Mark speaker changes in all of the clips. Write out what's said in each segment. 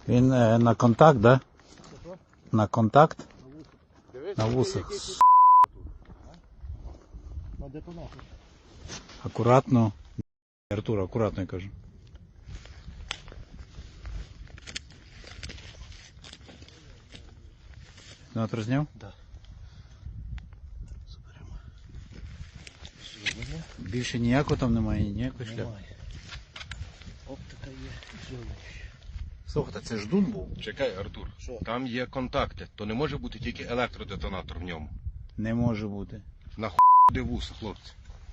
Speaker 1: Він на контакт, да? На контакт? На вусах.
Speaker 2: На детонатор.
Speaker 1: Акуратно. Артур, акуратно, я кажу. Детонатор зняв?
Speaker 2: Да. Заберемо.
Speaker 1: Більше ніякого там немає, ніякої шляпи.
Speaker 2: Немає. Оптика є.
Speaker 1: Слухайте, це ждун був?
Speaker 3: Чекай, Артур.
Speaker 2: Що?
Speaker 3: Там є контакти. То не може бути тільки електродетонатор в ньому.
Speaker 1: Не може бути.
Speaker 3: Де вуса, хлопці.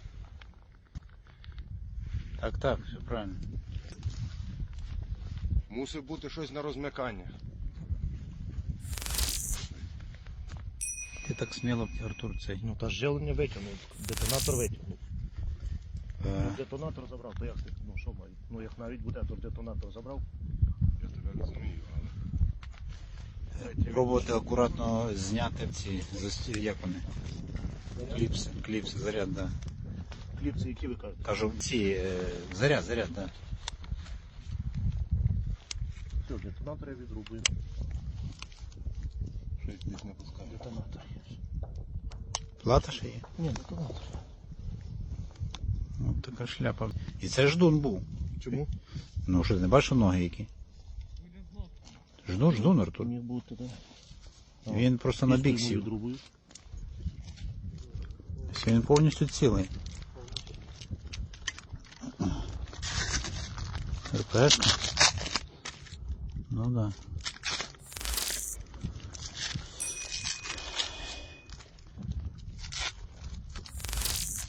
Speaker 1: Так, так, все правильно.
Speaker 3: Мусить бути щось на розмикання.
Speaker 1: Ти так сміло, Артур, цей.
Speaker 2: Ну та живлення витягнув, детонатор витягнув. Детонатор забрав, то як ти? Ну що маю? Ну як навіть буде, то детонатор забрав.
Speaker 3: Я тебе розумію, але...
Speaker 1: Пробувати акуратно зняти ці, як вони? Кліпси, заряд, да.
Speaker 2: Кліпси, які ви кажете?
Speaker 1: Кажу, ці, заряд, да.
Speaker 2: Все, детонатор я відрубую.
Speaker 3: Щось десь не пускає.
Speaker 2: Детонатор є.
Speaker 1: Плата ще є?
Speaker 2: Ні, детонатор.
Speaker 1: Ось така шляпа. І це ждун був.
Speaker 2: Чому?
Speaker 1: Ну що, ти не бачив ноги які? Ждун, Артур.
Speaker 2: Міг бути, так.
Speaker 1: Він просто на бік сів.
Speaker 2: Відрубую.
Speaker 1: Він повністю цілий. РПшка? Ну да.